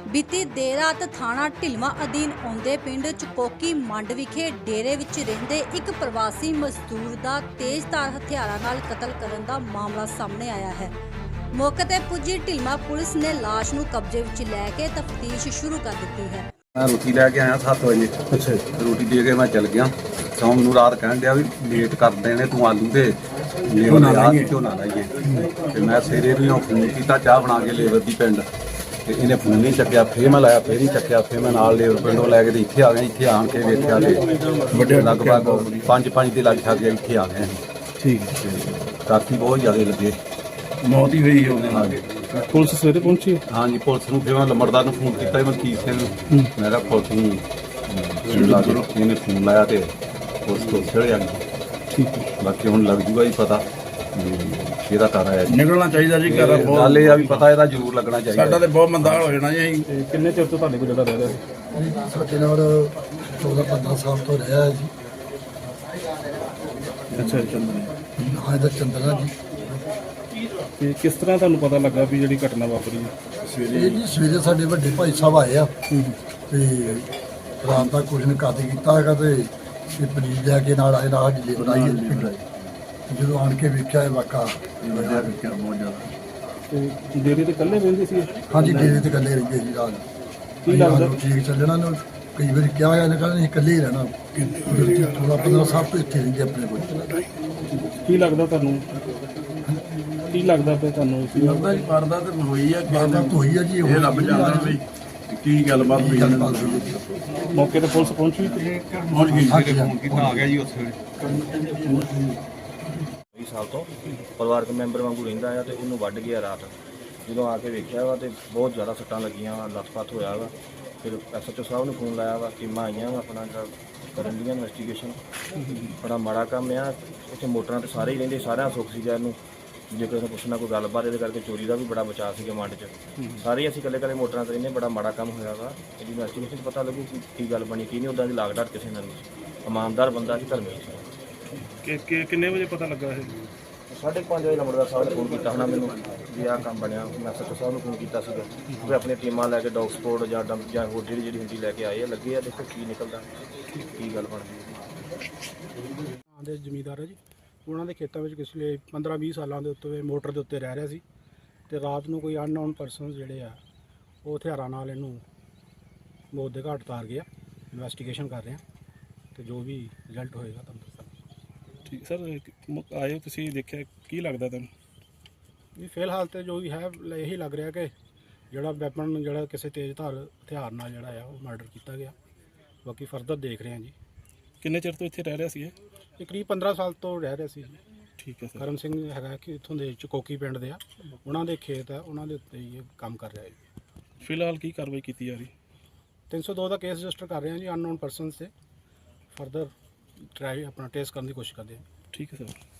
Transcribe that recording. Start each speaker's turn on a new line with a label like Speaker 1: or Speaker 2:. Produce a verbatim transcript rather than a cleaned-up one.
Speaker 1: ਬੀਤੀ ਦੇਰ ਰਾਤ ਥਾਣਾ ਢਿਲਵਾਂ ਅਧੀਨ ਆਉਂਦੇ ਪਿੰਡ ਚਕੋਕੀ ਮੰਡ ਵਿਖੇ ਡੇਰੇ ਵਿੱਚ ਰਹਿੰਦੇ ਇੱਕ ਪ੍ਰਵਾਸੀ ਮਜ਼ਦੂਰ ਦਾ ਤੇਜ਼ਧਾਰ ਹਥਿਆਰਾਂ ਨਾਲ ਕਤਲ ਕਰਨ ਦਾ ਮਾਮਲਾ ਸਾਹਮਣੇ ਆਇਆ ਹੈ। ਮੌਕੇ ਤੇ ਪੁੱਜੀ ਢਿਲਵਾਂ ਪੁਲਿਸ ਨੇ ਲਾਸ਼ ਨੂੰ ਕਬਜ਼ੇ ਵਿੱਚ ਲੈ ਕੇ ਤਫਤੀਸ਼ ਸ਼ੁਰੂ ਕਰ ਦਿੱਤੀ ਹੈ।
Speaker 2: मैं रोटी लैके आया सत्त बजे। अच्छा रोटी दे के मैं चल गया। तो मैनू रात कह दिया भी लेट कर देने तू आलू दे लेबर झोना लाइए। तो मैं सवेरे भी फोन किया चाह बना के लेबर की पिंड तो इन्हें फोन नहीं चक्या। फिर मैं लाया फिर नहीं चक्या। फिर मैं नाल लेबर पिंडों लैके तो इत्थे आ गए। इत्थे आन के वेख्या तो लगभग पाँच पाँच के लग छक गए। इत्थे आ गए ठीक राती बहुत ज़्यादा लगे मौत ही हुई है।
Speaker 3: पुलिस सवेरे पहुंची?
Speaker 2: हाँ जी पुलिस नूं फिर मैं लंबड़दार नूं फोन किया मलकीत सिंह नूं। मैं कहा पुलिस नूं ला के इन्हें फोन लाया तो पुलिस तो चढ़े आ गई। ठीक है बाकी हुण लग जूगा जी पता किहदा घर आया
Speaker 4: निकलना चाहिए जी। घर
Speaker 2: गल ये भी पता इहदा जरूर लगना चाहिए।
Speaker 4: साडा ते बहुत मंदा हो जाना जी।
Speaker 3: किन्ने चिर तो तुहाडे कोल जगह रह रहा है?
Speaker 5: ਸਾਡੇ ਨਾਲ चौदह पंद्रह साल तो रहा है जी।
Speaker 4: अच्छा चंदन
Speaker 5: हाँ इधर चंद्रा जी।
Speaker 3: ਤੇ ਕਿਸ ਤਰ੍ਹਾਂ ਤੁਹਾਨੂੰ ਪਤਾ ਲੱਗਾ ਵੀ ਜਿਹੜੀ ਘਟਨਾ ਵਾਪਰੀ ਹੈ?
Speaker 5: ਇਹ ਜੀ ਸਵੇਰੇ ਸਾਡੇ ਵੱਡੇ ਭਾਈ ਸਾਹਿਬ ਆਏ ਆ ਤੇ ਰਾਤ ਦਾ ਕੁਝ ਨੇ ਕਾਤੇ ਕੀਤਾ ਹੈਗਾ ਤੇ ਇਹ ਪਨੀਰ ਲੈ ਕੇ ਨਾਲ ਆਏ ਨਾਲ ਢਿੱਲੇ ਬਣਾਈ ਜਦੋਂ ਆਣ ਕੇ ਵੇਖਿਆ ਇਹ ਵਾਕਾ
Speaker 4: वजह क्या बहुत ज्यादा।
Speaker 3: ਤੇ ਡੇਰੇ ਤੇ ਇਕੱਲੇ ਰਹਿੰਦੇ ਸੀ?
Speaker 5: ਹਾਂਜੀ ਡੇਰੇ ਤੇ ਇਕੱਲੇ ਰਹਿੰਦੇ ਜੀ ਰਾਤ
Speaker 3: ਕੀ ਲੱਗਦਾ?
Speaker 5: ਠੀਕ ਚੱਲਣਾ ਨੂੰ ਕਈ ਵਾਰੀ ਕਿਹਾ ਗਿਆ ਨੇ ਕਹਿੰਦੇ ਇਕੱਲੇ ਹੀ ਰਹਿਣਾ ਥੋੜਾ ਪੰਦਰਾਂ ਸਾਲ ਤੋਂ ਇੱਥੇ ਰਹਿੰਦੇ ਆਪਣੇ ਕੋਲ।
Speaker 3: ਕੀ ਲੱਗਦਾ ਤੁਹਾਨੂੰ ਕੀ ਲੱਗਦਾ ਪਿਆ ਤੁਹਾਨੂੰ?
Speaker 4: ਲੱਗਦਾ ਜੀ ਪਰਦਾ ਤੇ ਹੋਈ ਆ
Speaker 5: ਬਾਤਾਂ ਤੋਂ ਹੋਈ ਆ ਜੀ
Speaker 4: ਇਹ ਰੱਬ ਜਾਣਦਾ ਵੀ ਕੀ ਗੱਲਬਾਤ ਹੋਈ ਹੈ।
Speaker 3: ਮੌਕੇ ਤੇ ਪੁਲਿਸ ਪਹੁੰਚੀ?
Speaker 4: ਪਹੁੰਚ ਗਈ
Speaker 5: ਹਾਂਜੀ
Speaker 2: फोन किया आ गया जी उस
Speaker 6: ਵੀਹ ਸਾਲ ਤੋਂ ਪਰਿਵਾਰਕ ਮੈਂਬਰ ਵਾਂਗੂ ਰਹਿੰਦਾ ਆ ਤੇ ਇਹਨੂੰ ਵੱਢ ਗਿਆ ਰਾਤ। ਜਦੋਂ ਆ ਕੇ ਵੇਖਿਆ ਵਾ ਤੇ ਬਹੁਤ ਜ਼ਿਆਦਾ ਸੱਟਾਂ ਲੱਗੀਆਂ ਵਾ, ਲੱਤ-ਪੱਤ ਹੋਇਆ ਵਾ। ਫਿਰ ਐਸ ਐਚ ਓ ਸਾਹਿਬ ਨੂੰ ਫੋਨ ਲਾਇਆ ਵਾ, ਟੀਮਾਂ ਆਈਆਂ ਵਾ ਆਪਣਾ ਕਰਨ ਦੀਆਂ ਇਨਵੈਸਟੀਗੇਸ਼ਨ। ਬੜਾ ਮਾੜਾ ਕੰਮ ਆ। ਉੱਥੇ ਮੋਟਰਾਂ ਤੇ ਸਾਰੇ ਹੀ ਰਹਿੰਦੇ, ਸਾਰਿਆਂ ਸੁੱਖ ਸੀ ਇਹਨੂੰ ਜੇ ਕਿਸੇ ਨੂੰ ਪੁੱਛਣਾ ਕੋਈ ਗੱਲਬਾਤ ਇਹਦੇ ਕਰਕੇ ਚੋਰੀ ਦਾ ਵੀ ਬੜਾ ਬਚਾਅ ਸੀਗਾ ਮੰਡ 'ਚ। ਸਾਰੇ ਅਸੀਂ ਇਕੱਲੇ ਇਕੱਲੇ ਮੋਟਰਾਂ ਤੇ ਰਹਿੰਦੇ। ਬੜਾ ਮਾੜਾ ਕੰਮ ਹੋਇਆ ਵਾ। ਇਹਦੀ ਇਨਵੈਸਟੀਗੇਸ਼ਨ 'ਚ ਪਤਾ ਲੱਗੂ ਕਿ ਕੀ ਗੱਲ ਬਣੀ ਕੀ ਨਹੀਂ। ਉੱਦਾਂ ਦੀ ਲਾਗ ਡਾਟ ਕਿਸੇ ਨਾਲ ਨਹੀਂ। ਇਮਾਨਦਾਰ ਬੰਦਾ ਸੀ, ਧਰਮੀ ਸੀ।
Speaker 3: ਕਿ ਕਿੰਨੇ ਵਜੇ ਪਤਾ ਲੱਗਾ ਇਹ?
Speaker 6: ਸਾਢੇ ਪੰਜ ਵਜੇ ਲੰਬੜਦਾਰ ਸਾਹਿਬ ਨੇ ਫੋਨ ਕੀਤਾ ਹੋਣਾ ਮੈਨੂੰ ਵੀ ਆਹ ਕੰਮ ਬਣਿਆ। ਮੈਂ ਐਸ ਐਚ ਓ ਸਾਹਿਬ ਨੂੰ ਫੋਨ ਕੀਤਾ ਸੀਗਾ ਵੀ ਆਪਣੀਆਂ ਟੀਮਾਂ ਲੈ ਕੇ ਡੌਗ ਸਪੋਰਟ ਜਾਂ ਡੰਪ ਜਾਂ ਹੋਰ ਜਿਹੜੀ ਜਿਹੜੀ ਹੁੰਦੀ ਲੈ ਕੇ ਆਏ ਆ। ਲੱਗੇ ਆ, ਦੇਖੋ ਕੀ ਨਿਕਲਦਾ ਕੀ ਗੱਲ ਬਣਦੀ ਹੈ।
Speaker 7: ਦੇ ਜ਼ਮੀਂਦਾਰ ਹੈ ਜੀ। ਉਹਨਾਂ ਦੇ ਖੇਤਾਂ ਵਿੱਚ ਪਿਛਲੇ ਪੰਦਰਾਂ ਵੀਹ ਸਾਲਾਂ ਦੇ ਉੱਤੇ ਮੋਟਰ ਦੇ ਉੱਤੇ ਰਹਿ ਰਿਹਾ ਸੀ ਤੇ ਰਾਤ ਨੂੰ ਕੋਈ ਅਨਨੋਨ ਪਰਸਨਸ ਜਿਹੜੇ ਆ ਉਹ ਹਥਿਆਰਾਂ ਨਾਲ ਇਹਨੂੰ ਮੌਤ ਦੇ ਘਾਟ ਉਤਾਰ ਗਿਆ। ਇਨਵੈਸਟੀਗੇਸ਼ਨ ਕਰ ਰਹੇ ਆ ਤੇ ਜੋ ਵੀ ਰਿਜ਼ਲਟ ਹੋਏਗਾ ਤੁਹਾਨੂੰ ਦੱਸਾਂਗੇ।
Speaker 3: ਠੀਕ ਸਰ ਆਏ ਤੁਸੀਂ ਦੇਖਿਆ ਕੀ ਲੱਗਦਾ ਤੁਹਾਨੂੰ?
Speaker 7: ਵੀ ਫਿਲਹਾਲ ਤੇ ਜੋ ਵੀ ਹੈ ਇਹੀ ਲੱਗ ਰਿਹਾ ਕਿ ਜਿਹੜਾ ਵੈਪਨ ਜਿਹੜਾ ਕਿਸੇ ਤੇਜ਼ ਧਾਰ ਹਥਿਆਰ ਨਾਲ ਜਿਹੜਾ ਆ ਉਹ ਮਰਡਰ ਕੀਤਾ ਗਿਆ। ਬਾਕੀ ਫਰਦਰ ਦੇਖ ਰਹੇ ਆ ਜੀ।
Speaker 3: ਕਿੰਨੇ ਚਿਰ ਤੋਂ ਇੱਥੇ ਰਹਿ ਰਿਹਾ ਸੀ ਇਹ?
Speaker 7: ਇਹ ਕਰੀਬ ਪੰਦਰਾਂ ਸਾਲ ਤੋਂ ਰਹਿ ਰਿਹਾ ਸੀ ਜੀ।
Speaker 3: ਠੀਕ ਹੈ ਸਰ।
Speaker 7: ਕਰਮ ਸਿੰਘ ਹੈਗਾ ਕਿ ਇੱਥੋਂ ਦੇ ਚਕੋਕੀ ਪਿੰਡ ਦੇ ਆ। ਉਹਨਾਂ ਦੇ ਖੇਤ ਆ, ਉਹਨਾਂ ਦੇ ਉੱਤੇ ਹੀ ਇਹ ਕੰਮ ਕਰ ਰਿਹਾ ਹੈ।
Speaker 3: ਫਿਲਹਾਲ ਕੀ ਕਾਰਵਾਈ ਕੀਤੀ ਜਾ ਰਹੀ?
Speaker 7: ਤਿੰਨ ਸੌ ਦੋ ਦਾ ਕੇਸ ਰਜਿਸਟਰ ਕਰ ਰਹੇ ਹਾਂ ਜੀ ਅਨਨੋਨ ਪਰਸਨਸ ਤੇ। ਫਰਦਰ ਟਰਾਈ ਆਪਣਾ ਟੈਸਟ ਕਰਨ ਦੀ ਕੋਸ਼ਿਸ਼ ਕਰਦੇ ਹਾਂ।
Speaker 3: ਠੀਕ ਹੈ ਸਰ।